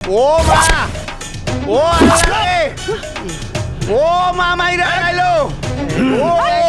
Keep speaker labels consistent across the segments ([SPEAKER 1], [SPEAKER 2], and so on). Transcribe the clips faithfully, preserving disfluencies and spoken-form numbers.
[SPEAKER 1] ও মা ও আরে ও মা মাইরা আইলো ও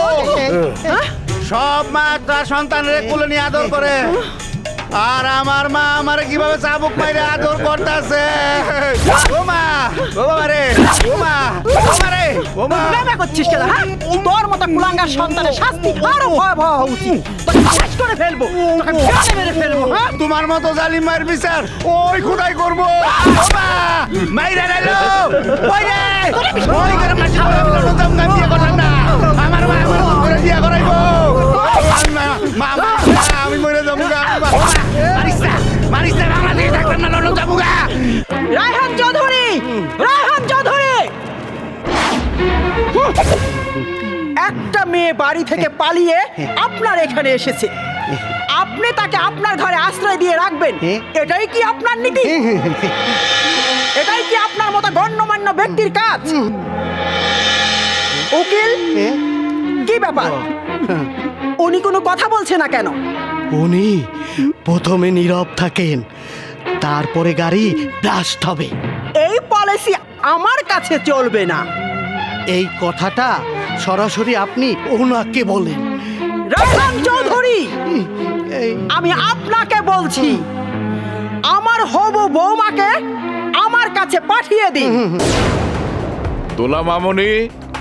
[SPEAKER 1] সব মা তার সন্তানের কোলে নিয়ে আদর করে আর আমার মা আমারে কিভাবে চাবুক মাইরে আদর করতেছে ও মা ও বাবা রে ও মা ও মা রে ও মা
[SPEAKER 2] প্রেমে করছিস কেন হ্যাঁ তোর মতো কুলাঙ্গার সন্তানের শাস্তি আরো ভয়াবহ হওয়া উচিত তোকে শেষ করে ফেলবো তোকে প্রাণে মেরে ফেলবো হ্যাঁ
[SPEAKER 1] তোমার মতো জালিম মায়ের বিচার ওই খুদাই করবো ও মা মাইরা আইলো ওই রে ওই করে মাছি বলে আমি নতুন গান বিয়ে করলাম না আমার মা আমার করে বিয়ে করাইবো মা মা আমি মরে যাবো গা মারিস না মারিস না বাংলাদেশে থাকবেন না লন্ডন যাবো গা
[SPEAKER 2] রায়হান চৌধুরী রায়হান চৌধুরী একটা মেয়ে বাড়ি থেকে পালিয়ে আপনার এখানে এসেছে আপনি তাকে আপনার ঘরে আশ্রয় দিয়ে রাখবেন এটাই কি আপনার নীতি এটাই কি আপনার মতো গণ্যমান্য ব্যক্তির কাজ উকিল কি ব্যাপার উনি কোনো কথা বলছে না কেন
[SPEAKER 3] উনি প্রথমে নীরব থাকেন, তারপরে গাড়ি ব্লাস্ট হবে।
[SPEAKER 2] এই পলিসি আমার কাছে চলবে না
[SPEAKER 3] এই কথাটা সরাসরি আপনি ওনাকে বলেন।
[SPEAKER 2] রায়হান চৌধুরী
[SPEAKER 3] এই
[SPEAKER 2] আমি আপনাকে বলছি আমার হবু বৌমাকে আমার কাছে পাঠিয়ে দিন
[SPEAKER 4] দোলা মামনি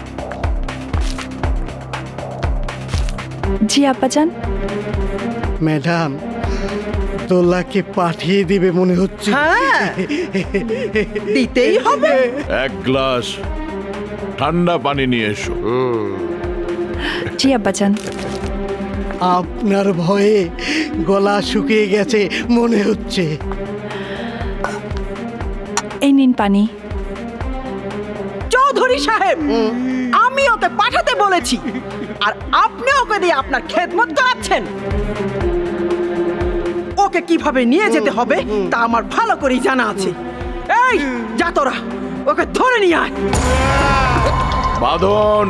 [SPEAKER 5] জি আব্বাজান।
[SPEAKER 3] ম্যাডাম দোলাকে পাঠিয়ে দিবে মনে হচ্ছে।
[SPEAKER 2] হ্যাঁ দিতেই হবে
[SPEAKER 4] এক গ্লাস ঠান্ডা পানি নিয়ে এসো।
[SPEAKER 5] জি আব্বাজান।
[SPEAKER 3] আপনার ভয়ে গলা শুকিয়ে গেছে মনে হচ্ছে।
[SPEAKER 5] এই নিন পানি।
[SPEAKER 2] চৌধুরী সাহেব আমি ওকে পাঠাতে বলেছি আর আপনি ওকে দিয়ে আপনার খেদমত করাচ্ছেন ওকে কিভাবে নিয়ে যেতে হবে তা আমার ভালো করেই জানা আছে এই যা তোরা ওকে ধরে নিয়ে আয়
[SPEAKER 4] বাঁধন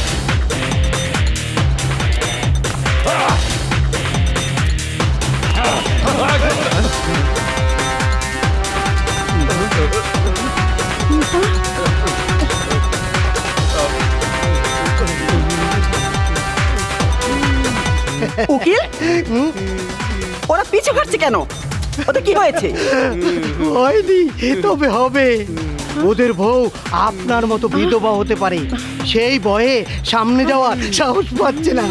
[SPEAKER 2] উকিল ওরা পিছু কাটছে কেন ওদের কি হয়েছে
[SPEAKER 3] হয়নি তবে হবে। ওদের বউ আপনার মতো বিধবা হতে পারে, সেই ভয়ে সামনে যাওয়ার সাহস পাচ্ছে না।